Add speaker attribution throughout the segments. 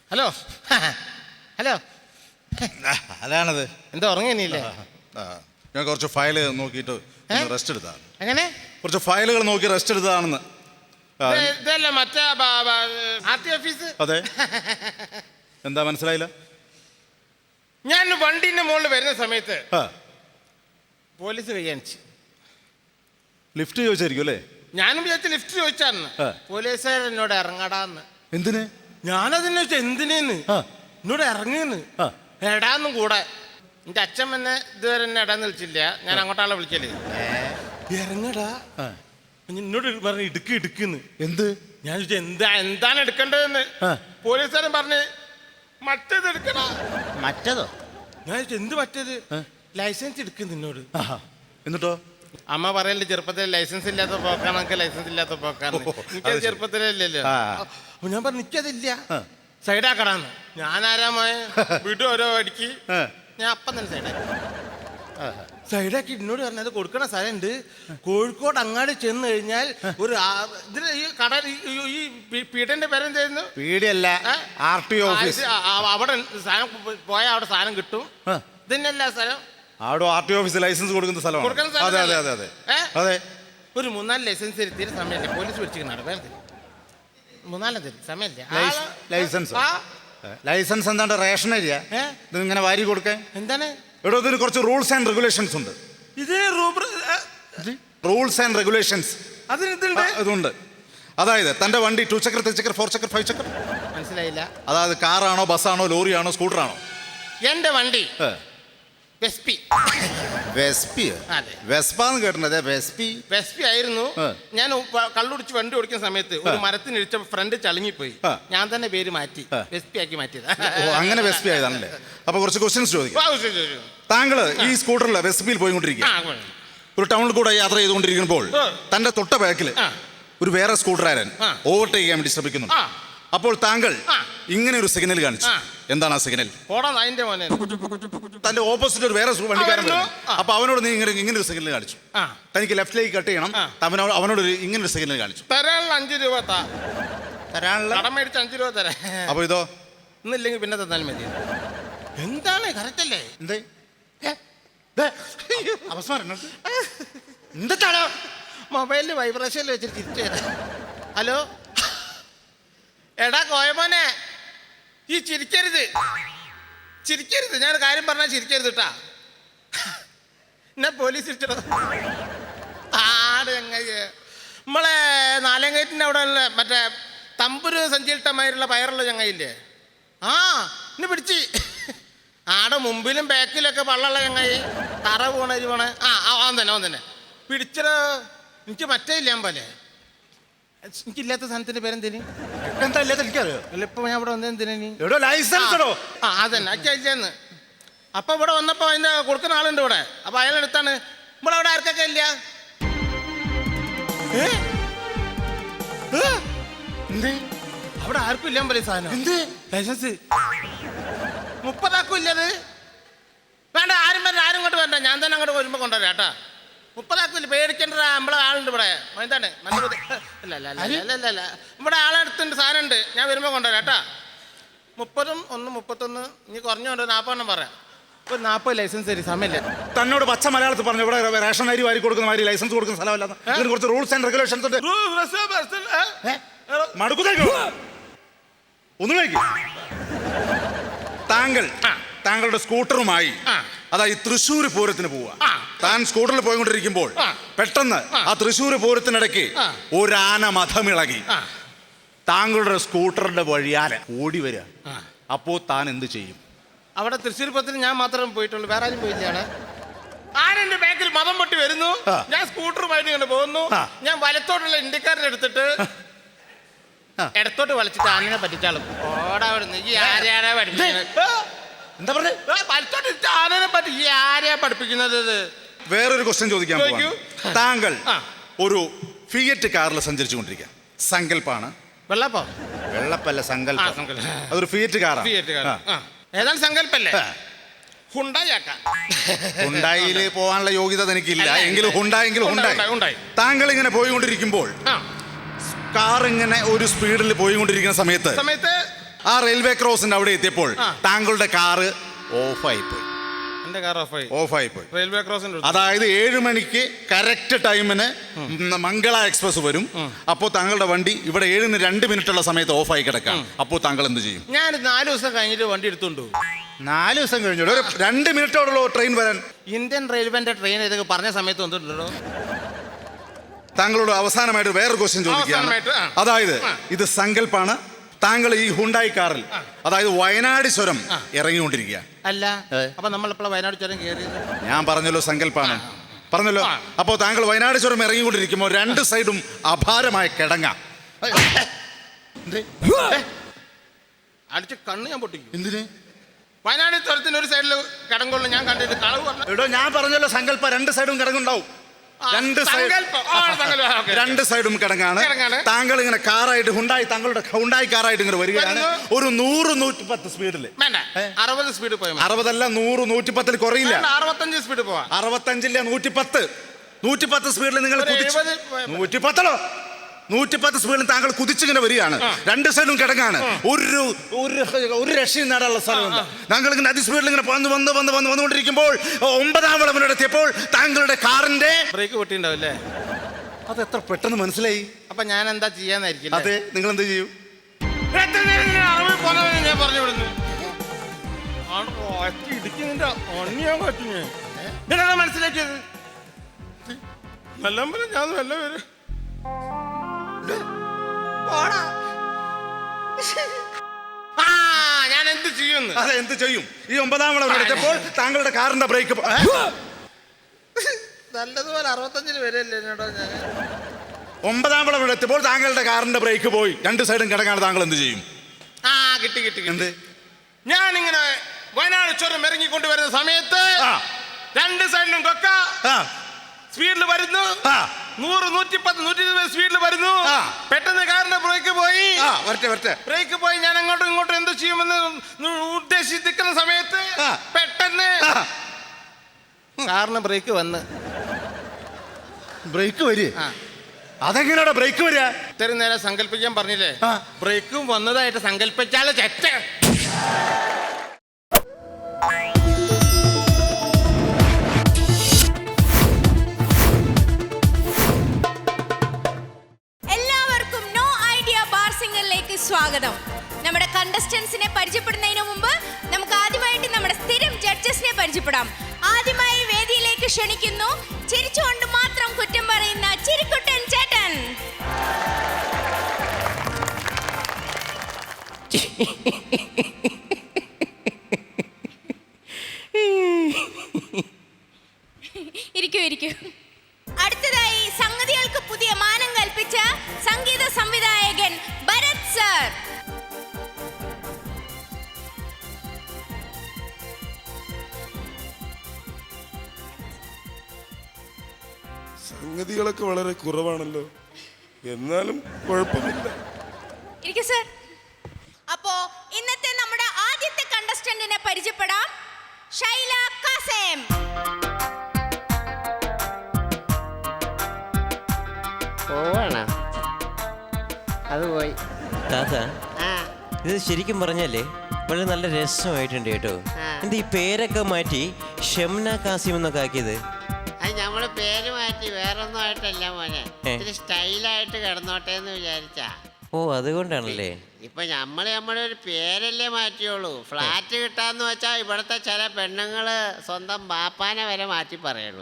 Speaker 1: Hello hello
Speaker 2: അതാണത്.
Speaker 1: എന്താ ഉറങ്ങിയില്ലേ?
Speaker 2: ഞാൻ കുറച്ച് ഫയല് നോക്കിയിട്ട് റെസ്റ്റ് എടുത്താണ്.
Speaker 1: എങ്ങനെ?
Speaker 2: കുറച്ച് ഫയലുകൾ നോക്കി റെസ്റ്റ് എടുത്തതാണെന്ന്.
Speaker 1: ഇതല്ലേ മറ്റേ ആർടി ഓഫീസ്?
Speaker 2: അതെ. എന്താ മനസ്സിലായില്ല?
Speaker 1: ഞാൻ വണ്ടീന്റെ മുകളിൽ വരുന്ന സമയത്ത് പോലീസ് കൈകാണിച്ചു.
Speaker 2: ലിഫ്റ്റ് ചോദിച്ചായിരിക്കും അല്ലേ?
Speaker 1: ഞാനും വിചാരിച്ച ലിഫ്റ്റ് ചോദിച്ചാന്ന്. പോലീസുകാരൻ എന്നോട് ഇറങ്ങടാന്ന്.
Speaker 2: എന്തിന്?
Speaker 1: ഞാനതിനെ ചോദിച്ചാ എന്തിനേന്ന്. എന്നോട് ഇറങ്ങിന്ന് എടാന്നും കൂടെ. എന്റെ അച്ഛൻ എന്നെ ഇതുവരെ എന്നെ എടാന്ന് വിളിച്ചില്ല. ഞാൻ അങ്ങോട്ടാളെ വിളിക്കല്. ഇറങ്ങടാ എന്നോട് പറഞ്ഞു ഇടുക്കിന്ന്.
Speaker 2: എന്ത്?
Speaker 1: ഞാൻ ചോദിച്ചാ എന്താണ് എടുക്കേണ്ടതെന്ന്. പോലീസുകാരൻ പറഞ്ഞ് മറ്റേത് എടുക്കണ.
Speaker 2: മറ്റേതോ?
Speaker 1: ഞാൻ ചോദിച്ചു എന്ത് മറ്റേത്? ലൈസൻസ് എടുക്കുന്നു നിന്നോട്.
Speaker 2: എന്നിട്ടോ?
Speaker 1: അമ്മ പറയല്ലേ ചെറുപ്പത്തിൽ ലൈസൻസ് ഇല്ലാത്ത പോക്കാണ്, ലൈസൻസ് ഇല്ലാത്ത പോക്കാണ്. എനിക്കത് ചെറുപ്പത്തിലല്ലല്ലോ. അപ്പൊ ഞാൻ പറഞ്ഞു എനിക്കതില്ല, സൈഡാക്കടാന്ന്. ഞാനാരാമായ വീട്ടിൽ ഓരോ അടിക്ക് ഞാൻ അപ്പം തന്നെ സൈഡാക്കി എന്നോട് പറഞ്ഞത് കൊടുക്കണ സ്ഥലമുണ്ട്. കോഴിക്കോട് അങ്ങാടി ചെന്ന് കഴിഞ്ഞാൽ ഒരു ഇതിന് ഈ കട ഈ പീഠന്റെ പേരെന്തായിരുന്നു?
Speaker 2: പീടിയല്ല, ആർടി ഓഫീസ്.
Speaker 1: അവിടെ സാധനം പോയാൽ അവിടെ സാധനം കിട്ടും. ഇതന്നെയല്ല സ്ഥലം.
Speaker 2: അവിടെ ആർടി ഓഫീസ് ലൈസൻസ് കൊടുക്കുന്ന സ്ഥലമാണ്. അതെ അതെ അതെ അതെ അതെ.
Speaker 1: ഒരു 3-4 ലൈസൻസ് എടുത്തിട്ട് സമയമില്ല. പോലീസ് പിടിച്ചിരിക്കണം. വേറെ 3-4 തരും സമയമില്ല.
Speaker 2: ലൈസൻസ് ലൈസൻസ് എന്താണ്ട് റേഷൻ ഏരിയ ഇങ്ങനെ വാരി കൊടുക്കാൻ
Speaker 1: എന്താണ്?
Speaker 2: ഇവിടെ ഇതിന് കുറച്ച് റൂൾസ് ആൻഡ് റെഗുലേഷൻസ് ഉണ്ട്.
Speaker 1: ഇതിന്
Speaker 2: റൂൾസ് ആൻഡ് റെഗുലേഷൻസ് ഇതുണ്ട്. അതായത് തന്റെ വണ്ടി 2 ചക്ര 3 ചക്ര 4 ചക്ര 5 ചക്ര
Speaker 1: മനസ്സിലായില്ല.
Speaker 2: അതായത് കാറാണോ ബസ്സാണോ ലോറിയാണോ സ്കൂട്ടറാണോ?
Speaker 1: എന്റെ വണ്ടി വെസ്പി.
Speaker 2: വെസ്പാന്ന് കേട്ടത്?
Speaker 1: വെസ്പി ആയിരുന്നു. ഞാൻ കള്ളുടിച്ച് വണ്ടി ഓടിക്കുന്ന സമയത്ത് ഒരു മരത്തിനിടിച്ച ഫ്രണ്ട് ചളുങ്ങിപ്പോയി. ഞാൻ തന്നെ പേര് മാറ്റി വെസ്പി ആക്കി മാറ്റിയത്.
Speaker 2: അങ്ങനെ വെസ്പി ആയതാണല്ലേ? അപ്പൊ കുറച്ച് ക്വസ്റ്റ്യൻസ് ചോദിക്കാം. താങ്കള് ഈ സ്കൂട്ടറിൽ വെസ്പിയിൽ പോയിക്കൊണ്ടിരിക്കുക. ഒരു ടൗണിൽ കൂടെ യാത്ര ചെയ്തുകൊണ്ടിരിക്കുമ്പോൾ തന്റെ തൊട്ട ബാക്കിൽ ഒരു വേറെ സ്കൂട്ടറുകാരൻ ഓവർടേക്ക് ചെയ്യാൻ വേണ്ടി ശ്രമിക്കുന്നു. അപ്പോൾ താങ്കൾ ഇങ്ങനെ ഒരു സിഗ്നൽ കാണിച്ചു. എന്താണ് ആ സിഗ്നൽ? തന്റെ ഓപ്പോസിറ്റ് ഒരു വേറെ വണ്ടിക്കാരൻ. അപ്പൊ അവനോട് നീ ഇങ്ങനെ ഒരു സിഗ്നൽ കാണിച്ചു. തനിക്ക് ലെഫ്റ്റിലേക്ക് കട്ട് ചെയ്യണം. അവനോട് ഇങ്ങനെ ഒരു സിഗ്നൽ കാണിച്ചു.
Speaker 1: 5 രൂപ മേടിച്ച് 5 രൂപ തരാം.
Speaker 2: അപ്പൊ ഇതോ?
Speaker 1: ഇന്നില്ലെങ്കിൽ പിന്നെ തന്നാലും മതി. എന്താണ് കറക്റ്റ് അല്ലേ?
Speaker 2: എന്താണ്
Speaker 1: മൊബൈലിൽ വൈബ്രേഷനിൽ വെച്ചിട്ട് തിരിച്ചു തരാം. ഹലോ എടാ കോയമോനെ, ഈ ചിരിക്കരുത്. ഞാൻ കാര്യം പറഞ്ഞാൽ ചിരിക്കരുത് കേട്ടാ. എന്നെ പോലീസ് തിരിച്ചോ. നമ്മളെ 4 ഗേറ്റിൻ്റെ അവിടെ ഉള്ള മറ്റേ തമ്പുരു സഞ്ചിയിട്ടമാരുള്ള പയറുള്ള ചങ്ങയില്ലേ? എന്നെ പിടിച്ച്. ആടെ മുമ്പിലും ബാക്കിലൊക്കെ പള്ളുള്ള ചങ്ങായി തറ പോണ അവൻ തന്നെ പിടിച്ചോ. എനിക്ക് മറ്റേ ഇല്ല പോലെ. എനിക്കില്ലാത്ത സാധനത്തിന്റെ പേരെന്തേന്?
Speaker 2: എന്താ ഇല്ലാത്ത എനിക്കറിയോ?
Speaker 1: അല്ല ഇപ്പൊ ഞാൻ ഇവിടെ വന്നതെന്തിനീ?
Speaker 2: ലൈസൻസ്.
Speaker 1: അതന്നെ അച്ഛന്ന്. അപ്പൊ ഇവിടെ വന്നപ്പോ അതിന്റെ കൊടുക്കുന്ന ആളുണ്ട് ഇവിടെ. അപ്പൊ അയാളെടുത്താണ്. ഇവിടെ അവിടെ ആർക്കൊക്കെ ഇല്ല. അവിടെ ആർക്കും ഇല്ലാൻ പോലെ സാധനം. ലൈസൻസ് 30 ആക്കും ഇല്ലത്. വേണ്ട, ആരും ഇങ്ങോട്ട് വരണ്ട. ഞാൻ തന്നെ അങ്ങോട്ട് വരുമ്പോ കൊണ്ടുവരാം കേട്ടാ. 30 ആക്കില്ല, പേടിക്കേണ്ട. നമ്മളെ ആളുണ്ട് ഇവിടെ. എന്താണ് അല്ല ഇവിടെ ആളെടുത്തുണ്ട്, സാധനം ഉണ്ട്. ഞാൻ വരുമ്പോ കൊണ്ടുവരാം കേട്ടാ. 30 1 31 ഇനി കുറഞ്ഞുകൊണ്ട് 40 പറയാം. ഒരു 40 ലൈസൻസ് തരും. സമയമില്ല.
Speaker 2: തന്നോട് പച്ച മലയാളത്തിൽ പറഞ്ഞു ഇവിടെ റേഷൻ അരി വാരി കൊടുക്കുന്ന മാതിരി ലൈസൻസ് കൊടുക്കുന്ന സ്ഥലമല്ല. ഇതിന് കുറച്ച് റൂൾസ് ആൻഡ് റെഗുലേഷൻസ് ഉണ്ട്. ഒന്നുമില്ല. താങ്കളുടെ സ്കൂട്ടറുമായി അതായത് തൃശ്ശൂർ പൂരത്തിന് പോവുക. താൻ സ്കൂട്ടറിൽ പോയിക്കൊണ്ടിരിക്കുമ്പോൾ പെട്ടെന്ന് ആ തൃശ്ശൂർ പൂരത്തിനിടയ്ക്ക് ഒരു ആന മഥമിളകി താങ്കളുടെ സ്കൂട്ടറിന്റെ വഴിയാലെ ഓടി വരിക. അപ്പോ താൻ എന്ത് ചെയ്യും?
Speaker 1: അവിടെ തൃശ്ശൂർ പൂരത്തിന് ഞാൻ മാത്രമേ പോയിട്ടുള്ളൂ, വേറെ ആരും പോയില്ല. ആരെന്റെ ബാക്കിൽ മതം പൊട്ടി വരുന്നു. ഞാൻ സ്കൂട്ടറുമായിട്ട് ഇങ്ങനെ പോകുന്നു. ഞാൻ വലത്തോട്ടുള്ള ഇന്ത്യക്കാരനെ എടുത്തിട്ട് ഇടത്തോട്ട് വലിച്ചിട്ട് ആനനെ പറ്റിച്ചാളും. ഓടാ ഈ ആരെയാണെ പഠിപ്പിക്കുന്നത്?
Speaker 2: എന്താ പറഞ്ഞേ?
Speaker 1: വലത്തോട്ട് ആനനെ പറ്റി ഈ ആരെയാ പഠിപ്പിക്കുന്നത്?
Speaker 2: വേറൊരു ക്വസ്റ്റ്യൻ ചോദിക്കാൻ പോവാണ്. താങ്കൾ ഒരു ഫിയറ്റ് കാറിൽ സഞ്ചരിച്ചു കൊണ്ടിരിക്കുക. സങ്കല്പാണ്. വെള്ളപ്പല്ല, സങ്കല്പം. അതൊരു ഫിയറ്റ് കാറാണ്.
Speaker 1: ഏതാണ് സങ്കല്പല്ലേ?
Speaker 2: ഹുണ്ടായിൽ പോകാനുള്ള യോഗ്യത എനിക്കില്ല. എങ്കിലും ഹുണ്ടായി. താങ്കൾ ഇങ്ങനെ പോയിക്കൊണ്ടിരിക്കുമ്പോൾ കാർ ഇങ്ങനെ ഒരു സ്പീഡിൽ പോയിക്കൊണ്ടിരിക്കുന്ന സമയത്ത് ആ റെയിൽവേ ക്രോസിന്റെ അവിടെ എത്തിയപ്പോൾ താങ്കളുടെ കാറ് ഓഫായി പോയി.
Speaker 1: എന്റെ കാർ
Speaker 2: ഓഫായി പോയി.
Speaker 1: റെയിൽവേ ക്രോസിന്റെ
Speaker 2: അതായത് 7 മണിക്ക് കറക്റ്റ് ടൈമിന് മംഗള എക്സ്പ്രസ് വരും. അപ്പോൾ താങ്കളുടെ വണ്ടി ഇവിടെ 7:02 സമയത്ത് ഓഫായി കിടക്കാം. അപ്പോൾ താങ്കൾ എന്ത് ചെയ്യും?
Speaker 1: ഞാൻ 4 ദിവസം കഴിഞ്ഞിട്ട് വണ്ടി എടുത്തോണ്ട് പോകും.
Speaker 2: 4 ദിവസം കഴിഞ്ഞു ഒരു 2 മിനിറ്റോടുള്ള ട്രെയിൻ വരാൻ.
Speaker 1: ഇന്ത്യൻ റെയിൽവേന്റെ ട്രെയിൻ ഇതൊക്കെ പറഞ്ഞ സമയത്ത് വന്നിട്ടുണ്ടോ?
Speaker 2: താങ്കളോട് അവസാനമായിട്ട് വേറൊരു ക്വസ്റ്റ്യൻ ചോദിക്കുകയാണ്. അതായത് ഇത് സങ്കല്പാണ്. താങ്കൾ ഈ ഹുണ്ടായി കാറിൽ അതായത് വയനാട് ചുരം ഇറങ്ങിക്കൊണ്ടിരിക്കുക.
Speaker 1: അല്ല, അപ്പൊ നമ്മളെപ്പോഴാണ് വയനാട് ചുരം കയറിയത്?
Speaker 2: ഞാൻ പറഞ്ഞല്ലോ സങ്കല്പാണ് പറഞ്ഞല്ലോ. അപ്പോൾ താങ്കൾ വയനാട് ചുരം ഇറങ്ങിക്കൊണ്ടിരിക്കുമ്പോൾ 2 സൈഡും അപാരമായ കിടങ്ങ
Speaker 1: അടിച്ച് കണ്ണ് ഞാൻ പൊട്ടിക്കും.
Speaker 2: എന്തിന്?
Speaker 1: വയനാട് ചുരത്തിന് ഒരു സൈഡിൽ കിടങ്ങുള്ളൂ. ഞാൻ കണ്ടിട്ട് കളവ്
Speaker 2: എടോ, ഞാൻ പറഞ്ഞല്ലോ സങ്കല്പ 2 സൈഡും കിടങ്ങുണ്ടാവും. 2 സൈഡും കിടങ്ങാണ്. താങ്കൾ ഇങ്ങനെ കാറായിട്ട് താങ്കളുടെ ഹുണ്ടായി കാറായിട്ട് ഇങ്ങനെ വരികയാണ്. ഒരു 100-110 സ്പീഡിൽ.
Speaker 1: 60 സ്പീഡ് പോയി.
Speaker 2: 60 അല്ല, 100-110 കുറയില്ല.
Speaker 1: 65 സ്പീഡ് പോവാ.
Speaker 2: 65 110 സ്പീഡിൽ നിങ്ങൾ 110 സ്പീഡിൽ താങ്കൾ കുതിച്ചിങ്ങനെ വരികയാണ്. 2 സൈഡും കിടങ്ങാണ്. ഒരു രക്ഷയും നേടാനുള്ള സ്ഥലമുണ്ട്. താങ്കൾ ഇങ്ങനെ അതിസ്പീഡിൽ ഇങ്ങനെ വന്നുകൊണ്ടിരിക്കുമ്പോൾ 9ാം വളവിലെത്തിയപ്പോൾ താങ്കളുടെ കാറിന്റെ
Speaker 1: ബ്രേക്ക് പൊട്ടിണ്ടാവില്ലേ?
Speaker 2: അത് എത്ര പെട്ടെന്ന് മനസ്സിലായി?
Speaker 1: അപ്പൊ ഞാൻ എന്താ ചെയ്യാന്നായിരിക്കും.
Speaker 2: അതെ, നിങ്ങൾ എന്ത് ചെയ്യും?
Speaker 1: ഞാൻ പറഞ്ഞു വിടുന്നു. മനസ്സിലാക്കിയത് നല്ല ഞാൻ നല്ല പേര് ഞാൻ എന്ത് ചെയ്യുന്നു?
Speaker 2: അതെ, എന്ത് ചെയ്യും? ഈ 9ാം വളവിലെത്തിയപ്പോൾ താങ്കളുടെ കാറിന്റെ ബ്രേക്ക്
Speaker 1: നല്ലതുപോലെ 65 വരെയല്ലേ എന്നോടോ. ഞാൻ
Speaker 2: 9ാം വളവിലെത്തിയപ്പോൾ താങ്കളുടെ കാറിന്റെ ബ്രേക്ക് പോയി. 2 സൈഡും കിടങ്ങാണ്. താങ്കൾ എന്ത് ചെയ്യും?
Speaker 1: കിട്ടി.
Speaker 2: എന്ത്?
Speaker 1: ഞാനിങ്ങനെ വയനാട് ചുരം ഇറങ്ങിക്കൊണ്ടുവരുന്ന സമയത്ത് 2 സൈഡിലും കൊക്ക സ്പീഡിൽ വരുന്നു. 100-110-120 സ്പീഡിൽ വരുന്നു. പെട്ടെന്ന് കാറിന്റെ ബ്രേക്ക് പോയി. ബ്രേക്ക് പോയി. ഞാൻ അങ്ങോട്ടും ഇങ്ങോട്ടും എന്ത് ചെയ്യുമെന്ന് ഉദ്ദേശിക്കുന്ന സമയത്ത് പെട്ടെന്ന് കാറിന് ബ്രേക്ക് വന്ന്
Speaker 2: ബ്രേക്ക് വരിക. അതെങ്ങനെയാ ബ്രേക്ക് വരിക?
Speaker 1: ഇത്രയും നേരം സങ്കല്പിക്കാൻ പറഞ്ഞില്ലേ? ബ്രേക്കും വന്നതായിട്ട് സങ്കല്പിച്ചാലോ ചെറ്റ.
Speaker 3: സ്വാഗതം. നമ്മുടെ കണ്ടസ്റ്റൻസിനെ പരിചയപ്പെടുന്നതിന് മുമ്പ് നമുക്ക് ആദ്യമായിട്ട് നമ്മുടെ സ്ഥിരം ജഡ്ജസിനെ പരിചയപ്പെടാം. ആദ്യമായി വേദിയിലേക്ക് ക്ഷണിക്കുന്നു ചിരിച്ചുകൊണ്ട് മാത്രം കുറ്റം പറയുന്ന ചിരിക്കുട്ടൻ ചേട്ടൻ. ഇരിക്കൂ. അടുത്തതായി സംഗതികൾക്ക് പുതിയ മാനം കൽപ്പിച്ച സംഗീത സംവിധായകൻ ഭരത് സർ.
Speaker 4: സംഗതികളൊക്കെ വളരെ കുറവാണല്ലോ, എന്നാലും കുഴപ്പമില്ല.
Speaker 3: ഇരിക്കൂ സർ. അപ്പോ ഇന്നത്തെ നമ്മുടെ ആദ്യത്തെ കണ്ടസ്റ്റന്റിനെ പരിചയപ്പെടാം. ഷൈല കാസേം.
Speaker 5: പോവാണോ? അത് പോയി.
Speaker 6: ഇത് ശരിക്കും പറഞ്ഞല്ലേ വളരെ നല്ല രസമായിട്ടുണ്ട് കേട്ടോ. എന്താ ഈ പേരൊക്കെ മാറ്റി ഷംന കാസിം എന്നൊക്കെ ആക്കിയത്?
Speaker 5: അത് നമ്മള് പേര് മാറ്റി വേറൊന്നും ആയിട്ടല്ല മോനെ, ഇത്തിരി സ്റ്റൈലായിട്ട് കിടന്നോട്ടെ എന്ന് വിചാരിച്ചാ.
Speaker 6: ഓ, അതുകൊണ്ടാണല്ലേ.
Speaker 5: ഇപ്പൊ നമ്മുടെ ഒരു പേരല്ലേ മാറ്റിയോളൂ. ഫ്ലാറ്റ് കിട്ടാന്ന് വെച്ചാ ഇവിടുത്തെ ചില പെണ്ണുങ്ങള് സ്വന്തം ബാപ്പാനെ വരെ മാറ്റി പറയണു.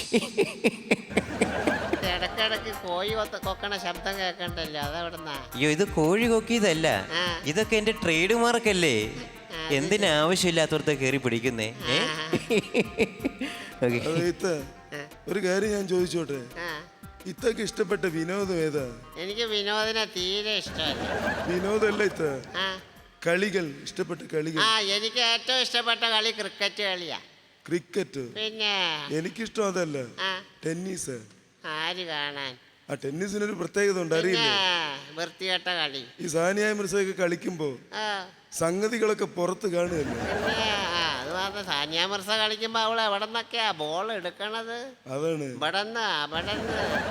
Speaker 5: ഇടക്കിടക്ക് കോഴി കൊക്കണ ശബ്ദം കേൾക്കണ്ടല്ലോ, അതെവിടുന്നാ?
Speaker 6: അയ്യോ, ഇത് കോഴി കൊക്കിയതല്ല, ഇതൊക്കെ എന്റെ ട്രേഡ് മാർക്കല്ലേ. എന്തിനാവശ്യമില്ലാത്തവർക്ക് കയറി പിടിക്കുന്നേ?
Speaker 4: ഒരു കാര്യം ഞാൻ ചോദിച്ചോട്ടെ, ഇത്തൊക്കെ ഇഷ്ടപ്പെട്ട വിനോദം ഏതാ?
Speaker 5: എനിക്ക് വിനോദിനെ തീരെ ഇഷ്ടമല്ല.
Speaker 4: വിനോദമല്ല ഇത്ത, കളികൾ, ഇഷ്ടപ്പെട്ട കളികൾ.
Speaker 5: എനിക്ക് ഏറ്റവും ഇഷ്ടപ്പെട്ട കളി ക്രിക്കറ്റ് കളിയാ.
Speaker 4: ക്രിക്കറ്റ്?
Speaker 5: പിന്നെ
Speaker 4: എനിക്കിഷ്ടം അതല്ല, ടെന്നീസ്.
Speaker 5: ആര് കാണാൻ?
Speaker 4: ആ ടെന്നീസിനൊരു പ്രത്യേകത ഉണ്ട്, അറിയില്ലേ?
Speaker 5: വൃത്തികെട്ട കളി.
Speaker 4: ഈ സാനിയ മിർസയൊക്കെ കളിക്കുമ്പോ സംഗതികളൊക്കെ പുറത്ത് കാണുകയല്ലേ?
Speaker 5: അത് മാത്രം, സാനിയ മിർസ കളിക്കുമ്പോ അവള് എവിടെ നിന്നൊക്കെയാ ബോൾ എടുക്കണത്?
Speaker 4: അതാണ്
Speaker 5: ഇവിടെന്ന്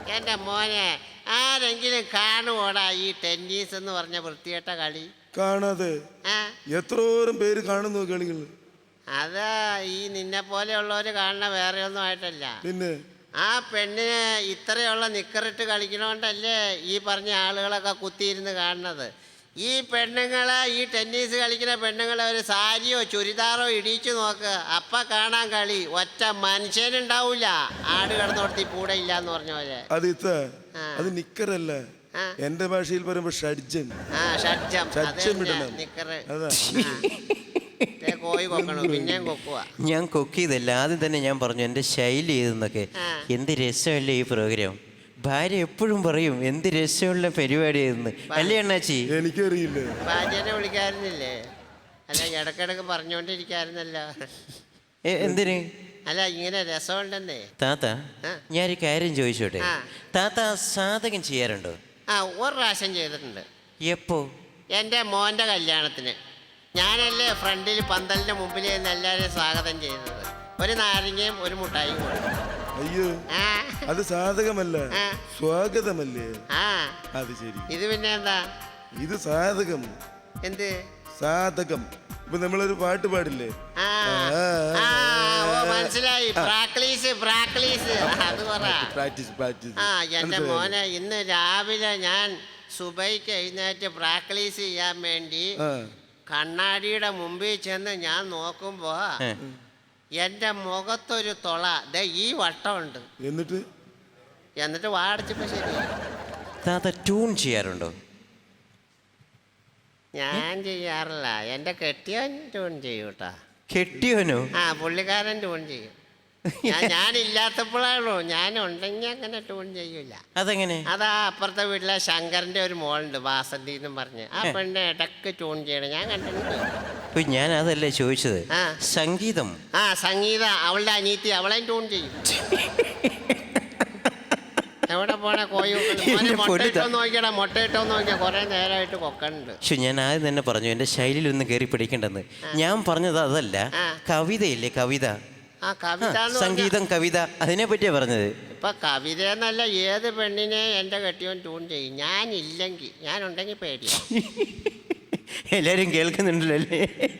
Speaker 5: എന്റെ മോനെ ആരെങ്കിലും കാണുവോടാ ഈ ടെന്നീസ് എന്ന് പറഞ്ഞ വൃത്തികെട്ട കളി?
Speaker 4: കാണാതെ
Speaker 5: ആ
Speaker 4: എത്രോരം പേര് കാണുന്നു കളികൾ.
Speaker 5: അതാ ഈ നിന്നെ പോലെയുള്ളവര് കാണുന്ന വേറെ ഒന്നും ആയിട്ടല്ല.
Speaker 4: പിന്നെ
Speaker 5: ആ പെണ്ണിന് ഇത്രയുള്ള നിക്കറിട്ട് കളിക്കണോണ്ടല്ലേ ഈ പറഞ്ഞ ആളുകളൊക്കെ കുത്തിയിരുന്ന് കാണുന്നത്. ഈ പെണ്ണുങ്ങളെ, ഈ ടെന്നീസ് കളിക്കുന്ന പെണ്ണുങ്ങളെ ഒരു സാരിയോ ചുരിദാറോ ഇടിച്ചു നോക്ക്, അപ്പ കാണാൻ കളി. ഒറ്റ മനുഷ്യനുണ്ടാവൂല. ആട് കിടന്നോടത്തി കൂടെ ഇല്ല എന്ന് പറഞ്ഞ പോലെ.
Speaker 4: അത് അത് നിക്കറല്ല, എന്റെ ഭാഷയിൽ പറയുമ്പോ ഷഡ്ജം.
Speaker 5: ആ ഷഡ്ജം.
Speaker 4: ഷഡ്ജം ഇടണം.
Speaker 5: നിക്കറ്.
Speaker 4: അതാ
Speaker 5: കോഴി കൊക്കണു, പിന്നെയും കൊക്കുക.
Speaker 6: ഞാൻ കൊക്കിയതല്ല, ആദ്യം തന്നെ ഞാൻ പറഞ്ഞു എൻ്റെ ശൈലി ഇതെന്നൊക്കെ. എന്ത് രസമല്ലേ ഈ പ്രോഗ്രാം. ഭാര്യ എപ്പോഴും പറയും എന്ത് രസമുള്ള പരിപാടിയായിരുന്നു, അല്ലേ അണ്ണാച്ചി?
Speaker 4: എനിക്കറിയില്ല.
Speaker 5: ഭാര്യനെ വിളിക്കാറുന്നില്ലേ? അല്ല ഇടക്കിടക്ക് പറഞ്ഞോണ്ടിരിക്കാറുന്നല്ലോ.
Speaker 6: എന്തിന്?
Speaker 5: അല്ല ഇങ്ങനെ രസമുണ്ടെന്നേ.
Speaker 6: താത്ത, ഞാനൊരു കാര്യം ചോദിച്ചോട്ടെ.
Speaker 5: ആ.
Speaker 6: താത്ത സാധകം ചെയ്യാറുണ്ടോ?
Speaker 5: ആ, ഒരു പ്രാവശ്യം ചെയ്തിട്ടുണ്ട്.
Speaker 6: എപ്പോ?
Speaker 5: എൻ്റെ മോൻ്റെ കല്യാണത്തിന് ഞാനല്ലേ ഫ്രണ്ടിൽ പന്തലിൻ്റെ മുമ്പിൽ നിന്ന് എല്ലാവരെയും സ്വാഗതം ചെയ്തത്. ഒരു നാരങ്ങയും ഒരു മുട്ടായിയും കൊടുത്തു.
Speaker 4: അയ്യോ,
Speaker 5: ആ
Speaker 4: അത് സാധകമല്ല,
Speaker 5: ആ.
Speaker 4: സ്വാഗതമല്ലേ?
Speaker 5: ആ
Speaker 4: അത് ശരി.
Speaker 5: ഇത് പിന്നെ എന്താ?
Speaker 4: ഇത് സാധകം.
Speaker 5: എന്ത്
Speaker 4: സാധകം? ഇപ്പൊ നമ്മളൊരു പാട്ട് പാടില്ലേ?
Speaker 5: ആ ആ, ഓ മനസ്സിലായി. പ്രാക്ടീസ് പ്രാക്ടീസ് അത് പറ.
Speaker 4: Practice practice.
Speaker 5: ആ എൻ്റെ മോനെ, ഇന്ന് രാവിലെ ഞാൻ സുബൈക്ക് എഴുന്നേറ്റ് പ്രാക്ടീസ് ചെയ്യാൻ വേണ്ടി കണ്ണാടിയുടെ മുമ്പിൽ ചെന്ന് ഞാൻ നോക്കുമ്പോ എൻ്റെ മുഖത്തൊരു തുള ദേ ഈ വട്ടമുണ്ട്. എന്നിട്ട് വാടച്ചപ്പോ ശരി.
Speaker 6: താത്ത ട്യൂൺ ചെയ്യാറുണ്ടോ?
Speaker 5: ഞാൻ ചെയ്യാറില്ല, എൻ്റെ കെട്ടിയവൻ ട്യൂൺ ചെയ്യും കേട്ടാ.
Speaker 6: കെട്ടിയോനോ?
Speaker 5: ആ, പുള്ളിക്കാരൻ ട്യൂൺ ചെയ്യും. ഞാനില്ലാത്തപ്പോഴാണോ, ഞാൻ ഉണ്ടെങ്കിൽ അങ്ങനെ ട്യൂൺ ചെയ്യൂല.
Speaker 6: അതെങ്ങനെ?
Speaker 5: അതാ അപ്പുറത്തെ വീട്ടിലെ ശങ്കറിന്റെ ഒരു മോളുണ്ട്, വാസന്തി എന്നും പറഞ്ഞ്. ആ പെണ്ണ് ഇടക്ക് ട്യൂൺ ചെയ്യണം, ഞാൻ കണ്ടിട്ടുണ്ട്.
Speaker 6: ഞാൻ അതല്ലേ ചോദിച്ചത്.
Speaker 5: ആ.
Speaker 6: സംഗീതം.
Speaker 5: ആ സംഗീത, അവളുടെ അനീത്തി, അവളെയും ട്യൂൺ ചെയ്യും. എവിടെ പോണേ കോഴി മുട്ടയിട്ടോ നോക്കിയടാ, മുട്ടയിട്ടോ നോക്കിയാ കുറെ നേരമായിട്ട് കൊക്കണ്ട്.
Speaker 6: പക്ഷെ ഞാൻ ആദ്യം തന്നെ പറഞ്ഞു എൻ്റെ ശൈലിയിലൊന്നും കയറി പിടിക്കണ്ടെന്ന്. ഞാൻ പറഞ്ഞത് അതല്ല, കവിതയില്ലേ കവിത.
Speaker 5: ആ കവിത,
Speaker 6: സംഗീതം കവിത, അതിനെ പറ്റിയാ പറഞ്ഞത്.
Speaker 5: ഇപ്പൊ കവിത എന്നല്ല, ഏത് പെണ്ണിനെ എൻ്റെ കെട്ടിയോൻ ട്യൂൺ ചെയ്യും. ഞാനില്ലെങ്കിൽ, ഞാനുണ്ടെങ്കിൽ പേടിയാ.
Speaker 6: എല്ലാരും കേൾക്കുന്നുണ്ടല്ലോ അല്ലേ?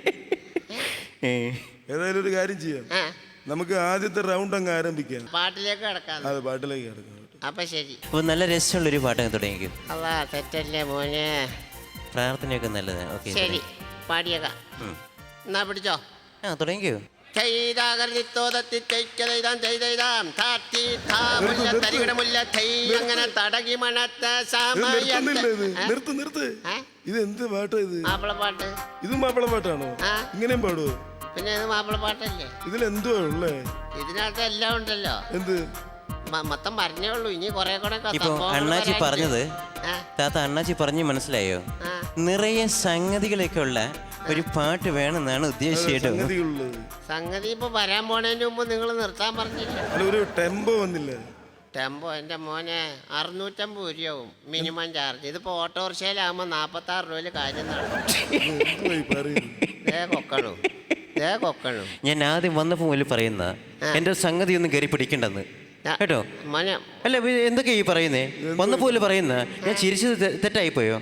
Speaker 4: ഏതായാലും ഒരു കാര്യം ചെയ്യാം, നമുക്ക് ആദ്യത്തെ റൗണ്ട് അങ്ങ് ആരംഭിക്കാം.
Speaker 5: പാട്ടിലേക്ക് കിടക്കാം.
Speaker 4: അതെ, പാട്ടിലേക്ക് കിടക്കാം.
Speaker 5: അപ്പൊ ശരി.
Speaker 6: അപ്പൊ നല്ല രസമുള്ളൊരു പാട്ടങ്ങ് തുടങ്ങിക്കും.
Speaker 5: അല്ല തെറ്റല്ലേ മോനെ?
Speaker 6: പ്രാർത്ഥനയൊക്കെ നല്ലതാണ്. ഓക്കെ
Speaker 5: ശരി, പാടിയേക്കാം. എന്നാ പിടിച്ചോ.
Speaker 6: ആ തുടങ്ങിക്കോ.
Speaker 5: അങ്ങനെ തടകി മണത്ത
Speaker 4: നിർത്ത്. ഇത് എന്ത് പാട്ടാ ഇത്?
Speaker 5: മാപ്പിളപ്പാട്ട്.
Speaker 4: ഇത് മാപ്പിളപ്പാട്ടാണോ? ഇങ്ങനെയും പാടുവോ?
Speaker 5: പിന്നെ ഇത് മാപ്പിളപ്പാട്ടല്ലേ?
Speaker 4: ഇതിലെന്തുവാ ഉള്ളേ?
Speaker 5: ഇതിനകത്ത് എല്ലാം ഉണ്ടല്ലോ.
Speaker 4: എന്ത്?
Speaker 5: മൊത്തം പറഞ്ഞേ ഉള്ളൂ, ഇനി കുറെ കൂടെ.
Speaker 6: ഇപ്പൊ അണ്ണാച്ചി പറഞ്ഞത് താത്ത, അണ്ണാച്ചി പറഞ്ഞു മനസ്സിലായോ? നിറയെ സംഗതികളൊക്കെ ഉള്ള ഒരു പാട്ട് വേണമെന്നാണ് ഉദ്ദേശിച്ചത്.
Speaker 5: സംഗതി ഇപ്പൊ വരാൻ പോണതിന് മുമ്പ് നിങ്ങൾ നിർത്താൻ പറഞ്ഞില്ല.
Speaker 4: ഒരു ടെമ്പോ വന്നില്ല.
Speaker 5: ടെമ്പോ എൻ്റെ മോനെ 650 രൂപയാവും മിനിമം ചാർജ്. ഇതിപ്പോ ഓട്ടോറിക്ഷയിലാകുമ്പോ 46 രൂപയിൽ കാര്യം കൊക്കണു.
Speaker 6: ഞാൻ ആദ്യം വന്നപ്പോ മുതൽ പറയുന്ന എന്റെ സംഗതി ഒന്നും കയറി പിടിക്കണ്ടെന്ന് കേട്ടോ.
Speaker 5: മോനെ
Speaker 6: അല്ല എന്തൊക്കെയാ ഈ പറയുന്നേ? വന്നപ്പോ പറയുന്ന ഞാൻ ചിരിച്ചത് തെറ്റായിപ്പോയോ?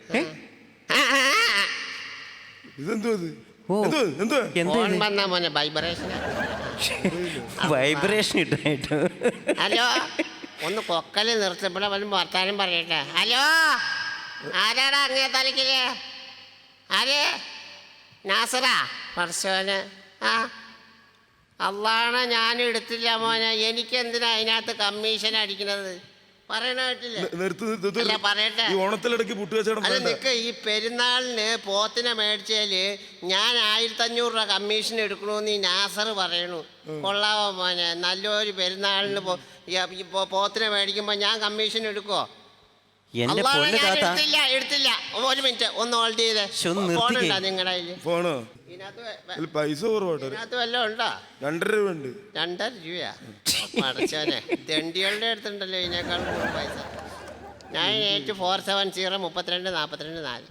Speaker 6: വൈബ്രേഷൻ ഇട്ടായിട്ടോ.
Speaker 5: ഹലോ, ഒന്ന് കൊക്കല് നിർത്തപ്പെടാ വർത്താനം പറയട്ടെ. ഹലോ, ആരാടാ അങ്ങേ തലക്കില്? ആര്? നാസറാ? പറശോന്. ആ അള്ളാണ്, ഞാൻ എടുത്തില്ല മോനെ. എനിക്ക് എന്തിനാ അതിനകത്ത് കമ്മീഷൻ അടിക്കണത്? പറയട്ടെ. അല്ല നിക്ക്, ഈ പെരുന്നാളിന് പോത്തിനെ മേടിച്ചാല് ഞാൻ 1500 രൂപ കമ്മീഷൻ എടുക്കണമെന്ന് ഈ നാസർ പറയണു. കൊള്ളാവോ മോനെ? നല്ലൊരു പെരുന്നാളിന് പോത്തിനെ മേടിക്കുമ്പോ ഞാൻ കമ്മീഷൻ എടുക്കുവോ? എടുത്തില്ല. ഒരു മിനിറ്റ് ഒന്ന് ഹോൾഡ് ചെയ്തേ. ഫോണുണ്ടോ നിങ്ങളുടെ കയ്യില്?
Speaker 4: ഫോണോ? പൈസ
Speaker 5: ഇതിനകത്ത് വല്ലതും ഉണ്ടോ?
Speaker 4: 2.5 രൂപ ഉണ്ട്.
Speaker 5: 2.5 രൂപയാ? പഠിച്ചോനെ, തെണ്ടികളുടെ അടുത്തുണ്ടല്ലോ ഇതിനേക്കാൾ കൂടുതൽ പൈസ. 9847032424.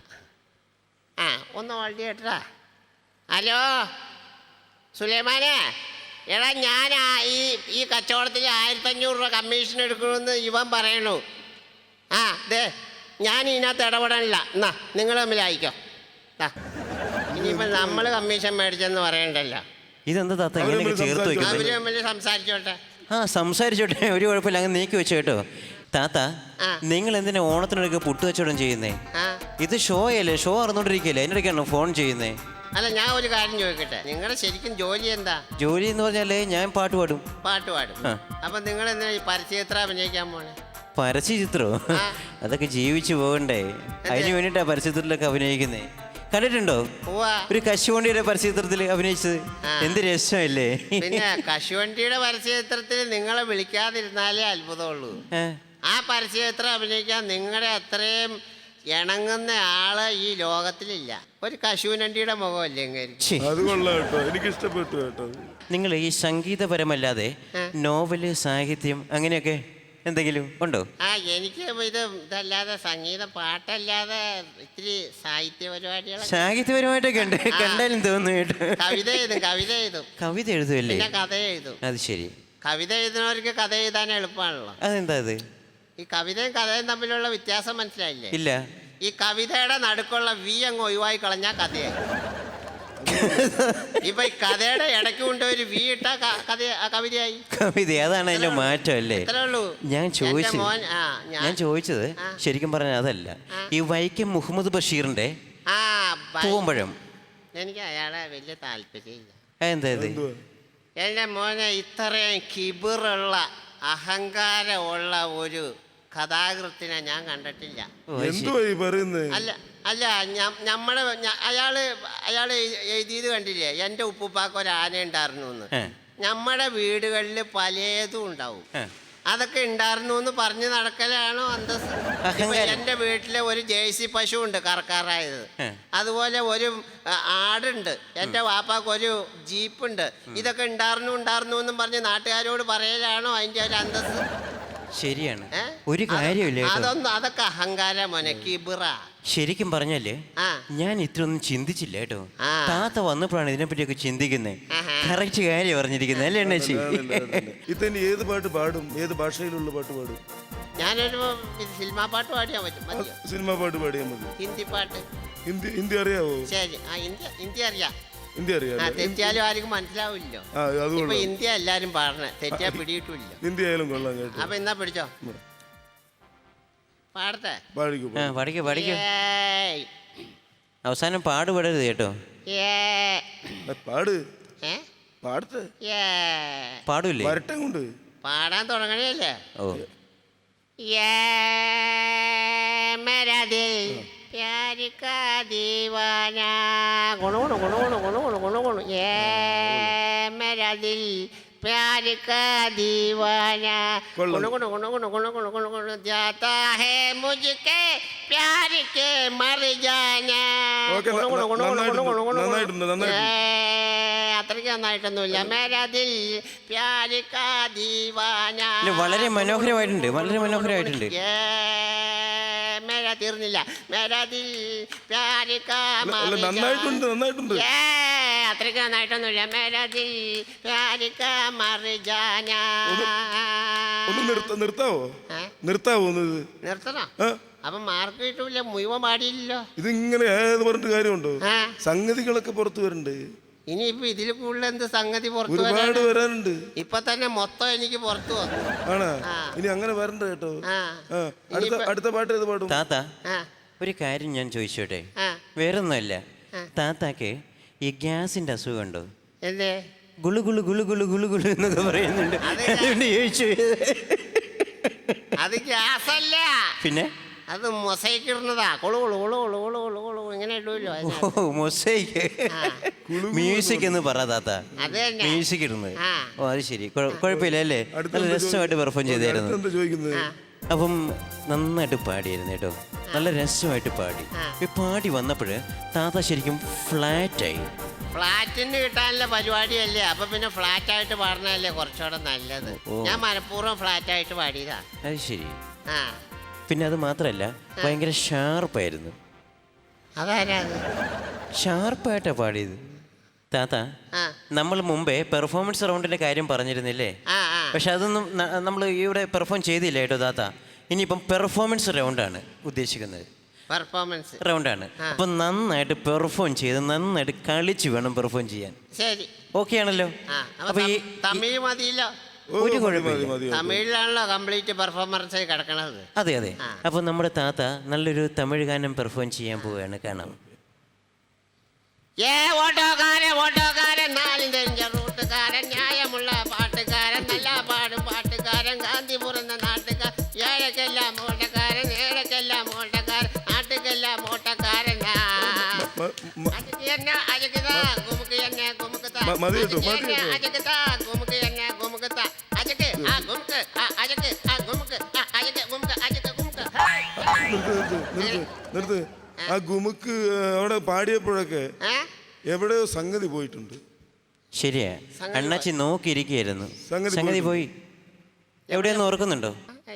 Speaker 5: ആ ഒന്ന് ഹോൾഡ് ചെയ്യട്ടാ. ഹലോ സുലൈമാനെ, എടാ ഞാൻ ഈ കച്ചവടത്തിൽ 1500 രൂപ കമ്മീഷൻ എടുക്കണമെന്ന് ഇവൻ പറയണു. ആ ദേ ഞാൻ ഇതിനകത്ത് ഇടപെടാനില്ല. എന്നാ നിങ്ങൾ തമ്മിൽ അയക്കോ. ഇനിയിപ്പോൾ നമ്മൾ കമ്മീഷൻ മേടിച്ചെന്ന് പറയണ്ടല്ലോ.
Speaker 6: ഇതെന്താ താത്ത ഇങ്ങനെയൊക്കെ ചേർത്ത്
Speaker 5: അവര്
Speaker 6: വെക്കുന്നത്?
Speaker 5: തമ്മിൽ സംസാരിച്ചോട്ടെ.
Speaker 6: ആ സംസാരിച്ചോട്ടെ, ഒരു കുഴപ്പമില്ല, അങ്ങ് നീക്കി വെച്ചു കേട്ടോ. താത്ത
Speaker 5: ആ.
Speaker 6: നിങ്ങൾ എന്തിനാ ഓണത്തിനൊക്കെ പുട്ട് കച്ചവടം ചെയ്യുന്നേ?
Speaker 5: ആ
Speaker 6: ഇത് ഷോ അല്ലേ, ഷോ അറിഞ്ഞോണ്ടിരിക്കല്ലേ, അതിനിടയ്ക്കാണോ ഫോൺ ചെയ്യുന്നേ?
Speaker 5: അല്ല ഞാൻ ഒരു കാര്യം ചോദിക്കട്ടെ, നിങ്ങളുടെ ശരിക്കും ജോലി എന്താ?
Speaker 6: ജോലി എന്ന് പറഞ്ഞാലേ ഞാൻ പാട്ട് പാടും.
Speaker 5: പാട്ട് പാടും.
Speaker 6: ആ.
Speaker 5: അപ്പം നിങ്ങൾ എന്തിനാ ഈ പരസ്യചിത്രം അഭിനയിക്കാൻ പോണേ?
Speaker 6: പരസ്യചിത്രോ?
Speaker 5: ആ.
Speaker 6: അതൊക്കെ ജീവിച്ചു പോകണ്ടേ, അതിന് വേണ്ടിയിട്ടാ പരസ്യചിത്രത്തിലൊക്കെ അഭിനയിക്കുന്നേ. കണ്ടിട്ടുണ്ടോ
Speaker 5: പോവാ.
Speaker 6: ഒരു കശുവണ്ടിയുടെ പരസ്യചിത്രത്തിൽ അഭിനയിച്ചത്?
Speaker 5: ആ.
Speaker 6: എന്ത് രസമല്ലേ?
Speaker 5: പിന്നെ കശുവണ്ടിയുടെ പരസ്യചിത്രത്തിൽ നിങ്ങളെ വിളിക്കാതിരുന്നാലേ അത്ഭുതമുള്ളൂ.
Speaker 6: ഏ?
Speaker 5: ആ പരസ്യചിത്രം അഭിനയിക്കാൻ നിങ്ങളുടെ അത്രയും ഇണങ്ങുന്ന ആള് ഈ ലോകത്തിലില്ല. ഒരു കശുവണ്ടിയുടെ മുഖമല്ലേ ഇങ്ങനെ?
Speaker 6: ഛി,
Speaker 4: അത് കൊള്ളാം കേട്ടോ, എനിക്ക് ഇഷ്ടപ്പെട്ടു കേട്ടോ.
Speaker 6: നിങ്ങൾ ഈ സംഗീതപരമല്ലാതെ നോവല്, സാഹിത്യം അങ്ങനെയൊക്കെ എന്തെങ്കിലും ഉണ്ടോ?
Speaker 5: ആ എനിക്ക് ഇതല്ലാതെ സംഗീതം, പാട്ടല്ലാതെ ഇത്തിരി സാഹിത്യ പരിപാടികളൊക്കെ.
Speaker 6: സാഹിത്യപരമായിട്ടൊക്കെ ഉണ്ട്, കണ്ടാലും തോന്നുന്നു കേട്ടോ.
Speaker 5: കവിത എഴുതും.
Speaker 6: കവിത എഴുതുമല്ലേ?
Speaker 5: പിന്നെ കഥ എഴുതും.
Speaker 6: അത് ശരി.
Speaker 5: കവിത എഴുതുന്നവർക്ക് കഥ എഴുതാൻ എളുപ്പമാണല്ലോ.
Speaker 6: അതെന്താ അത്?
Speaker 5: ഈ കവിതയും കഥയും തമ്മിലുള്ള വ്യത്യാസം മനസ്സിലായില്ലേ?
Speaker 6: ഇല്ല.
Speaker 5: ഈ കവിതയുടെ നടുക്കുള്ള വി അങ്ങ് ഒഴിവായി കളഞ്ഞാൽ കഥയായി. ഇപ്പൊ ഈ കഥയുടെ ഇടയ്ക്ക് കൊണ്ട് ഒരു വി ഇട്ട കവിതയായി.
Speaker 6: കവിത, അതാണ് അതിന്റെ മാറ്റം അല്ലേ?
Speaker 5: അത്രേ ഉള്ളൂ.
Speaker 6: ഞാൻ ചോദിച്ചത്
Speaker 5: മോൻ
Speaker 6: ഞാൻ ചോദിച്ചത് ശരിക്കും പറഞ്ഞാൽ അതല്ല, ഈ വൈക്കം മുഹമ്മദ് ബഷീറിന്റെ
Speaker 5: ആ
Speaker 6: പൂവമ്പഴം.
Speaker 5: എനിക്ക് അയാളെ വലിയ താല്പര്യമില്ല.
Speaker 6: എന്താ ഇത്?
Speaker 5: എൻ്റെ മോനെ ഇത്രയും കിബിറുള്ള അഹങ്കാരമുള്ള ഒരു കഥാകൃത്തിനെ ഞാൻ കണ്ടിട്ടില്ല.
Speaker 4: എന്തുവാ ഈ പറയുന്നത്?
Speaker 5: അല്ല അയാള് എഴുതിയത് കണ്ടില്ലേ? എൻ്റെ ഉപ്പുപ്പാക്ക് ഒരു ആന ഉണ്ടായിരുന്നു എന്ന്. നമ്മുടെ വീടുകളിൽ പലതും ഉണ്ടാവും. അതൊക്കെ ഉണ്ടായിരുന്നു എന്ന് പറഞ്ഞു നടക്കലാണോ അന്തസ്? എൻ്റെ വീട്ടിലെ ഒരു ജേഴ്സി പശു ഉണ്ട് കറക്കാറായത്. അതുപോലെ ഒരു ആടുണ്ട്. എൻ്റെ വാപ്പാക്ക് ഒരു ജീപ്പുണ്ട്. ഇതൊക്കെ ഉണ്ടായിരുന്നു എന്നും പറഞ്ഞ് നാട്ടുകാരോട് പറയലാണോ അതിൻ്റെ ഒരു അന്തസ്?
Speaker 6: ശരിയാണ്, ഒരു കാര്യമില്ല.
Speaker 5: അതൊക്കെ അഹങ്കാര മോനെ, കിബിറ.
Speaker 6: ശരിക്കും പറഞ്ഞാല് ഞാൻ ഇത്രയൊന്നും ചിന്തിച്ചില്ല കേട്ടോ. താത്ത വന്നപ്പോഴാണ് ഇതിനെപ്പറ്റിയൊക്കെ ചിന്തിക്കുന്നത്. കറക്റ്റ് കാര്യം പറഞ്ഞിരിക്കുന്നത് അല്ലേ അണ്ണാച്ചി?
Speaker 4: ഇത്തന്നെ ഏത് പാട്ട് പാടും? ഏത് ഭാഷയിലുള്ള പാട്ട് പാടും?
Speaker 5: ഞാനൊരു സിനിമാ പാട്ട് പാടിയാൽ പറ്റും.
Speaker 4: സിനിമാ പാട്ട് പാടിയാൽ മതി.
Speaker 5: ഹിന്ദി പാട്ട്.
Speaker 4: ഹിന്ദി അറിയാവോ?
Speaker 5: ശരി, ഹിന്ദി അറിയാം.
Speaker 4: ഹിന്ദി അറിയാം.
Speaker 5: തെറ്റിയാലും ആർക്കും മനസ്സിലാവില്ലോ. ഇപ്പൊ ഹിന്ദി എല്ലാരും പാടണേ, തെറ്റിയാ പിടിയിട്ടില്ല.
Speaker 4: ഹിന്ദി ആയാലും കൊള്ളാം കേട്ടോ.
Speaker 5: അപ്പൊ എന്നാ പിടിച്ചോ, പാടത്തെ.
Speaker 6: പഠിക്കൂ. അവസാനം പാടുപെടരുത് കേട്ടോ.
Speaker 4: പാട്. പാടത്തെ
Speaker 6: പാടൂല്ലേ?
Speaker 4: വരട്ടെ കൊണ്ട്
Speaker 5: പാടാൻ തുടങ്ങണല്ലേ?
Speaker 6: ഓ,
Speaker 5: मेरा दिल प्यार का दीवाना गुणु गुणु गुणु गुणु गुणु गुणु गुणु गुणु ये मेरा दिल प्यार का दीवाना गुणु गुणु गुणु गुणु गुणु गुणु गुणु गुणु जाता है मुझके प्यार के मर जाना गुणु गुणु गुणु गुणु गुणु गुणु गुणु അത്രയ്ക്ക് നന്നായിട്ടൊന്നുമില്ല. मेरा दिल प्यार का दीवाना
Speaker 6: വളരെ മനോഹരമായിട്ടുണ്ട്.
Speaker 5: മേരാ തീർന്നില്ല. മേരാ ദിൽ പ്യാർ കാ
Speaker 4: നന്നായിട്ടുണ്ട്.
Speaker 5: അത്രയ്ക്ക് നന്നായിട്ടൊന്നുമില്ല. മേരാ ദിൽ പ്യാർ കാ മർ ജാനാ.
Speaker 4: നിർത്താവോ?
Speaker 5: നിർത്തണോ? അപ്പൊ മാർക്ക് കിട്ടൂല, മുഴുവൻ പാടിയില്ലല്ലോ.
Speaker 4: ഇതിങ്ങനെ ഏത് പറഞ്ഞിട്ട് കാര്യമുണ്ടോ? സംഗതികളൊക്കെ പുറത്തു വരണ്ട്.
Speaker 5: ഇനിയിപ്പോ ഇതിൽ കൂടുതൽ എന്ത് സംഗതി പുറത്തു
Speaker 4: വരാനുണ്ട്?
Speaker 5: ഇപ്പൊ തന്നെ മൊത്തം എനിക്ക് പുറത്തു വന്നു.
Speaker 4: ആണോ? ഇനി അങ്ങനെ വരണ്ട കേട്ടോ. അടുത്ത പാട്ട് ഏത് പാടും?
Speaker 6: താത്ത, ഒരു കാര്യം ഞാൻ ചോദിച്ചോട്ടെ? വേറൊന്നുമല്ല, താത്താക്ക് ഈ ഗ്യാസിന്റെ അസുഖം ഉണ്ടോ?
Speaker 5: എന്തേ
Speaker 6: ഗുളു ഗുളു ഗുളു ഗുളു ഗുളു ഗുളു എന്നൊക്കെ പറയുന്നുണ്ട്, അതുകൊണ്ട് ചോദിച്ചു.
Speaker 5: അത് ഗ്യാസല്ല,
Speaker 6: പിന്നെ
Speaker 5: അത് മൊസൈക്ക് ഇടുന്നതാ. കൊളു കൊളു കൊളു കൊളു കൊളു കൊളു കൊളു ഇങ്ങനെ ഇടുമല്ലോ.
Speaker 6: മൊസൈക്ക് മ്യൂസിക് എന്ന് പറ താത്ത.
Speaker 5: അത് തന്നെ
Speaker 6: മ്യൂസിക് ഇടുന്നത്. ഓ അത് ശരി, കുഴപ്പമില്ല അല്ലേ? നല്ല രസമായിട്ട് പെർഫോം ചെയ്തായിരുന്നു. അപ്പം നന്നായിട്ട് പാടിയായിരുന്നു കേട്ടോ, നല്ല രസമായിട്ട് പാടി. പാടി വന്നപ്പോൾ താത്ത ശരിക്കും ഫ്ലാറ്റായി.
Speaker 5: ഫ്ലാറ്റിന് കിട്ടാനുള്ള പരിപാടിയല്ലേ, അപ്പൊ പിന്നെ ഫ്ലാറ്റ് ആയിട്ട് പാടുന്നതല്ലേ കുറച്ചുകൂടെ നല്ലത്. ഞാൻ മനഃപൂർവ്വം ഫ്ലാറ്റ് ആയിട്ട് പാടിയതാ.
Speaker 6: അത് ശരി. പിന്നെ അത് മാത്രല്ല, ഭയങ്കര ഷാർപ്പായിരുന്നു.
Speaker 5: അതാരാ?
Speaker 6: ഷാർപ്പായിട്ടാ പാടിയത്. താത്ത,
Speaker 5: ആ
Speaker 6: നമ്മൾ മുമ്പേ പെർഫോമൻസ് റൗണ്ടിന്റെ കാര്യം പറഞ്ഞിരുന്നില്ലേ?
Speaker 5: ആ ആ
Speaker 6: പക്ഷെ അതൊന്നും നമ്മൾ ഇവിടെ പെർഫോം ചെയ്തില്ല കേട്ടോ താത്ത. ഇനിയിപ്പം പെർഫോമൻസ് റൗണ്ടാണ് ഉദ്ദേശിക്കുന്നത്.
Speaker 5: പെർഫോമൻസ്
Speaker 6: റൗണ്ടാണ്. അപ്പൊ നന്നായിട്ട് പെർഫോം ചെയ്ത് നന്നായിട്ട് കളിച്ച് വേണം പെർഫോം ചെയ്യാൻ.
Speaker 5: ശരി,
Speaker 6: ഓക്കെ ആണല്ലോ?
Speaker 5: ആ
Speaker 6: അപ്പൊ ഈ
Speaker 5: തമിഴ് മതിയല്ലോ.
Speaker 4: ഓ,
Speaker 6: ഒരു
Speaker 4: മതി,
Speaker 6: കുഴപ്പമില്ല.
Speaker 4: മതി, മതി.
Speaker 5: തമിഴിലാണല്ലോ കംപ്ലീറ്റ് പെർഫോമൻസ് കിടക്കണത്.
Speaker 6: അതെ അതെ. അപ്പൊ നമ്മുടെ താത്ത നല്ലൊരു തമിഴ് ഗാനം പെർഫോം ചെയ്യാൻ പോവുകയാണ്. കാണാം.
Speaker 5: ഓട്ടോക്കാരൻ നാലും തെരിഞ്ഞ റൂട്ടുകാരൻ, ന്യായമുള്ള പാട്ടുകാരൻ, നല്ല പാടും പാട്ടുകാരൻ, ഗാന്ധി പുറന്ന നാട്ടുകാരൻ, ഏഴക്കെല്ലാം ഓട്ടക്കാരൻ, ഏഴക്കെല്ലാം ഓട്ടക്കാരൻ, നാട്ടുക്കെല്ലാം ഓട്ടക്കാരൻ.
Speaker 4: മതി കേട്ടോ, മതി കേട്ടോ. നിർത്ത്. ആ ഗുമുക്ക് അവിടെ പാടിയപ്പോഴൊക്കെ എവിടെയോ സംഗതി പോയിട്ടുണ്ട്.
Speaker 6: ശരിയാ, അണ്ണാച്ചി നോക്കിയിരിക്കുകയായിരുന്നു. സംഗതി പോയി. എവിടെയൊന്നും ഓർക്കുന്നുണ്ടോ?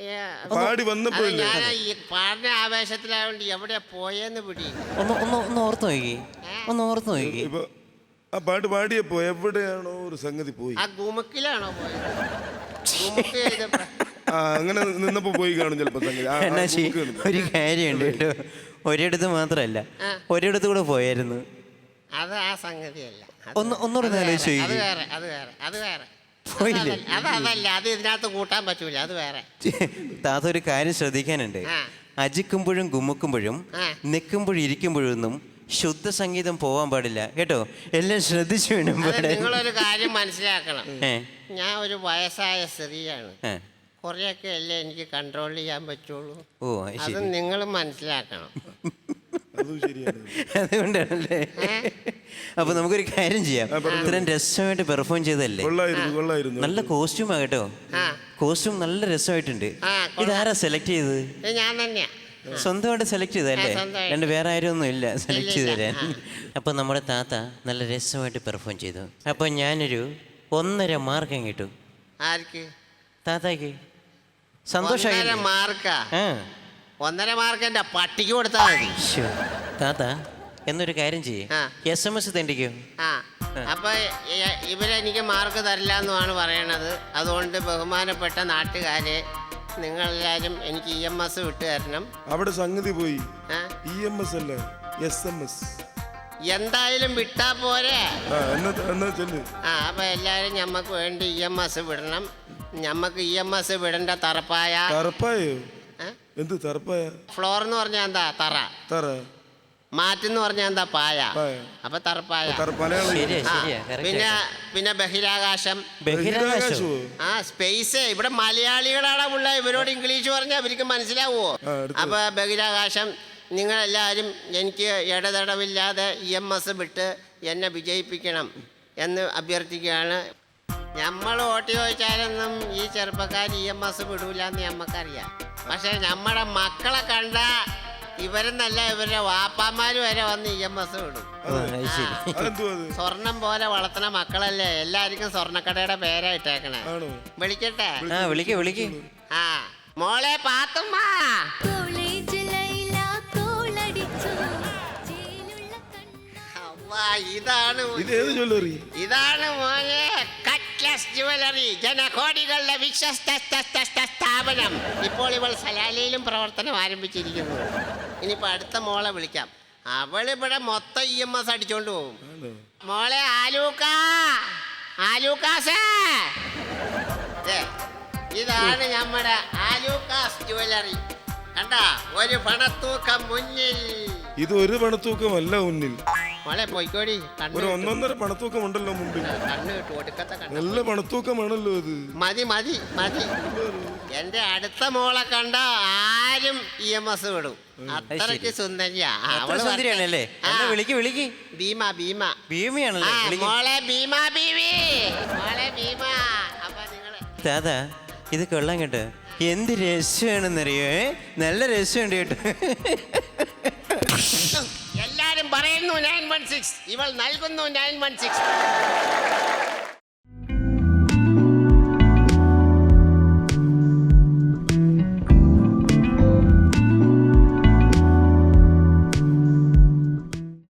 Speaker 4: പാടി വന്നപ്പോഴില്ലേ?
Speaker 5: ഞാൻ ഈ പാടിന ആവേശത്തിലായോണ്ട് എവിടെ പോയെന്ന് പിടി.
Speaker 6: ഒന്ന് ഓർത്ത് നോക്കി. ഒന്ന് ഓർത്ത് നോക്കി.
Speaker 4: ഇപ്പൊ ആ പാട്ട് പാടിയപ്പോ എവിടെയാണോ ഒരു സംഗതി പോയി.
Speaker 5: ആ ഗുമുക്കിലാണോ പോയത്? ഗുമുക്ക് ചെയ്തപ്പോ
Speaker 4: ആ അങ്ങനെ നിന്നപ്പോ പോയി കാണും ചിലപ്പോ സംഗതി.
Speaker 6: അണ്ണാച്ചി ഒരു കാര്യമുണ്ട് കേട്ടോ. ഒരിടത്ത് മാത്രമല്ല, ഒരിടത്ത് കൂടെ പോയായിരുന്നു.
Speaker 5: അത് ആ സംഗതിയല്ല.
Speaker 6: ഒന്നുകൂടെ ആലോചിച്ച്
Speaker 5: അത് വേറെ, അത് വേറെ, അത് വേറെ.
Speaker 6: പോയില്ലേ?
Speaker 5: അതല്ല, അത് ഇതിനകത്ത് കൂട്ടാൻ പറ്റൂല, അത് വേറെ.
Speaker 6: താത്ത ഒരു കാര്യം ശ്രദ്ധിക്കാനുണ്ട്.
Speaker 5: ആ.
Speaker 6: അജിക്കുമ്പോഴും ഗുമ്മുക്കുമ്പോഴും
Speaker 5: ആ.
Speaker 6: നിൽക്കുമ്പോഴും ഇരിക്കുമ്പോഴൊന്നും ശുദ്ധ സംഗീതം പോവാൻ പാടില്ല കേട്ടോ. എല്ലാം ശ്രദ്ധിച്ചു വേണം
Speaker 5: അത്
Speaker 6: പാടാൻ.
Speaker 5: നിങ്ങളൊരു കാര്യം മനസ്സിലാക്കണം.
Speaker 6: ഏ,
Speaker 5: ഞാൻ ഒരു വയസ്സായ സ്ത്രീയാണ്.
Speaker 6: ഏ.
Speaker 5: കുറെയൊക്കെ അല്ലേ എനിക്ക് കൺട്രോൾ ചെയ്യാൻ പറ്റുള്ളൂ.
Speaker 6: ഓ അത്
Speaker 5: അത്
Speaker 6: ശരി.
Speaker 5: നിങ്ങൾ മനസ്സിലാക്കണം.
Speaker 4: അതും ശരിയാണ്.
Speaker 6: അതുകൊണ്ടാണല്ലേ? അപ്പൊ നമുക്കൊരു കാര്യം ചെയ്യാം. ഇത്രയും രസമായിട്ട് പെർഫോം ചെയ്തല്ലേ?
Speaker 4: കൊള്ളായിരുന്നു.
Speaker 6: നല്ല കോസ്റ്റ്യൂമാ കേട്ടോ.
Speaker 5: ആ
Speaker 6: കോസ്റ്റ്യൂം നല്ല രസമായിട്ടുണ്ട്.
Speaker 5: ആ, കൊള്ളാം.
Speaker 6: ഇതാരാ സെലക്ട് ചെയ്തത്?
Speaker 5: ഇത് ഞാൻ തന്നെയാ.
Speaker 6: സ്വന്തമായിട്ട് സെലക്ട് ചെയ്തല്ലേ?
Speaker 5: സ്വന്തമായിട്ട്.
Speaker 6: രണ്ട് വേറെ ആരും ഒന്നും ഇല്ല സെലക്ട് ചെയ്ത്
Speaker 5: ഇല്ല.
Speaker 6: തരാൻ. അപ്പൊ നമ്മുടെ താത്ത നല്ല രസമായിട്ട് പെർഫോം ചെയ്തു. അപ്പൊ ഞാനൊരു 1.5 മാർക്ക് കിട്ടും
Speaker 5: ആർക്ക്?
Speaker 6: താത്താക്ക്. സന്തോഷമായി?
Speaker 5: 1.5 മാർക്കാ?
Speaker 6: ആ
Speaker 5: 1.5 മാർക്ക് എൻ്റെ പട്ടിക്ക് കൊടുത്താൽ മതി.
Speaker 6: ശ്ശോ. താത്ത എന്നൊരു കാര്യം ചെയ്യേ,
Speaker 5: ആ.
Speaker 6: SMS തെണ്ടിക്കോ.
Speaker 5: ആ അപ്പൊ ഇവരെനിക്ക് മാർക്ക് തരില്ല എന്നുമാണ് പറയണത്. അതുകൊണ്ട് ബഹുമാനപ്പെട്ട നാട്ടുകാരെ, നിങ്ങളെല്ലാവരും എനിക്ക് EMS വിട്ടു തരണം.
Speaker 4: അവിടെ സംഗതി പോയി.
Speaker 5: ആ?
Speaker 4: EMS അല്ല, SMS.
Speaker 5: എന്തായാലും വിട്ടാ പോരെ.
Speaker 4: എന്നാ ചെല്ല്.
Speaker 5: ആ അപ്പൊ എല്ലാവരും ഞമ്മക്ക് വേണ്ടി EMS വിടണം. ഞമ്മക്ക് EMS വിടേണ്ട തറപ്പായ.
Speaker 4: തറപ്പായോ? എന്ത് തറപ്പായ?
Speaker 5: ഫ്ലോർ എന്ന് പറഞ്ഞാൽ എന്താ?
Speaker 4: തറ.
Speaker 5: മാറ്റെന്ന് പറഞ്ഞാൽ എന്താ? പായ.
Speaker 4: പായ.
Speaker 5: അപ്പൊ തറപ്പായ.
Speaker 4: മലയാളം.
Speaker 6: ശരിയാ
Speaker 5: ആ,
Speaker 6: ശരിയാ correct
Speaker 5: പിന്നെ
Speaker 6: ആയിട്ടാ.
Speaker 5: പിന്നെ ബഹിരാകാശം.
Speaker 6: ബഹിരാകാശമോ?
Speaker 5: ആ സ്പേസ്. ഇവിടെ മലയാളികളാണ് ഉള്ള. ഇവരോട് ഇംഗ്ലീഷ് പറഞ്ഞാൽ അവർക്ക് മനസ്സിലാവുമോ? അപ്പൊ ബഹിരാകാശം. നിങ്ങളെല്ലാവരും എനിക്ക് ഇടതടവില്ലാതെ EMS വിട്ട് എന്നെ വിജയിപ്പിക്കണം എന്ന് അഭ്യർത്ഥിക്കുകയാണ്. നമ്മൾ വോട്ട് ചോദിച്ചാലൊന്നും ഈ ചെറുപ്പക്കാർ EMS വിടൂല എന്ന് നമ്മക്കറിയാം. പക്ഷെ നമ്മുടെ മക്കളെ കണ്ട ഇവരെന്നല്ല, ഇവരുടെ വാപ്പാമാര് വരെ വന്ന് EMS വിടും.
Speaker 6: ഓ, അത് ശരി.
Speaker 5: സ്വർണം പോലെ വളർത്തുന്ന മക്കളല്ലേ. എല്ലാവർക്കും സ്വർണ്ണക്കടയുടെ പേരാ ഇട്ടേക്കണേ. വിളിക്കട്ടെ?
Speaker 6: ആ വിളിക്ക്.
Speaker 5: ആ മോളെ പാത്തുമ്മ. അవ్വാ, ഇതാണ് മോനെ കട്ട്ലസ് ജുവലറി, ജനകോടികളുടെ വിശ്വസ്ത സ്ഥാപനം. ഇപ്പോൾ ഇവൾ സലാലയിലും പ്രവർത്തനം ആരംഭിച്ചിരിക്കുന്നു. ഇനിയിപ്പോ അടുത്ത മോളെ വിളിക്കാം. അവളിവിടെ മൊത്തം EMS അടിച്ചോണ്ട് പോകും. മോളെ ആലൂക്കാസേ, ഇതാണ് നമ്മുടെ ആലൂക്കാസ് ജുവലറി. കണ്ടാ, ഒരു പണത്തൂക്കം മുന്നിൽ.
Speaker 4: ഇത് ഒരു പണത്തൂക്കമല്ല മുന്നിൽ.
Speaker 5: മോളെ പോയിക്കോടി.
Speaker 4: ഒരു 1.5 പണത്തൂക്കം ഉണ്ടല്ലോ മുമ്പിൽ.
Speaker 5: കണ്ണ് കിട്ടു, ഒടുക്കത്തെ കണ്ണ്.
Speaker 4: നല്ല പണത്തൂക്കമാണല്ലോ ഇത്.
Speaker 5: മതി മതി മതി. എന്റെ അടുത്ത മോളെ കണ്ട ആരും EMS വിടും. അത്രയ്ക്ക് സുന്ദരിയാ.
Speaker 6: അത്ര സുന്ദരിയാണല്ലേ? എന്നാ വിളിക്ക്. ഭീമയാണല്ലേ? വിളിക്ക്.
Speaker 5: മോളെ ഭീമ ബീവി. മോളെ ഭീമ. അപ്പൊ നിങ്ങള്
Speaker 6: താതാ ഇത് കൊള്ളാൻ കേട്ടോ. എന്ത് രസമാണെന്നറിയോ? നല്ല രസമുണ്ട് കേട്ടോ.
Speaker 5: എല്ലാരും പറയുന്നു 916. ഇവൾ നൽകുന്നു 916.